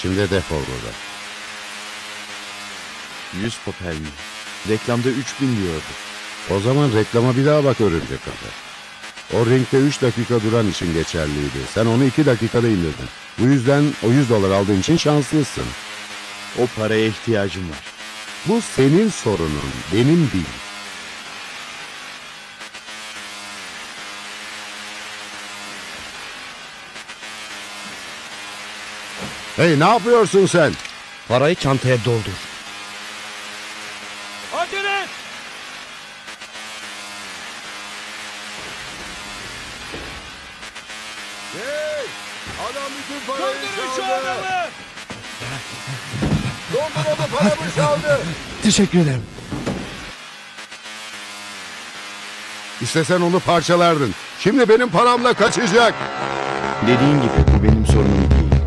Şimdi defol buradan. 100 papel mi? Reklamda 3000 diyordu. O zaman reklama bir daha bak örümcek kafa. O ringde 3 dakika duran için geçerliydi. Sen onu 2 dakikada indirdin. Bu yüzden o $100 aldığın için şanslısın. O paraya ihtiyacım var. Bu senin sorunun, benim değil. Hey, ne yapıyorsun sen? Parayı çantaya doldur. Acele et! Hey! Adam bütün parayı Döndürün şu adamı! Dondurmadı paramı çaldı. Teşekkür ederim. İstesen onu parçalardın. Şimdi benim paramla kaçacak. Dediğin gibi bu benim sorunum değil.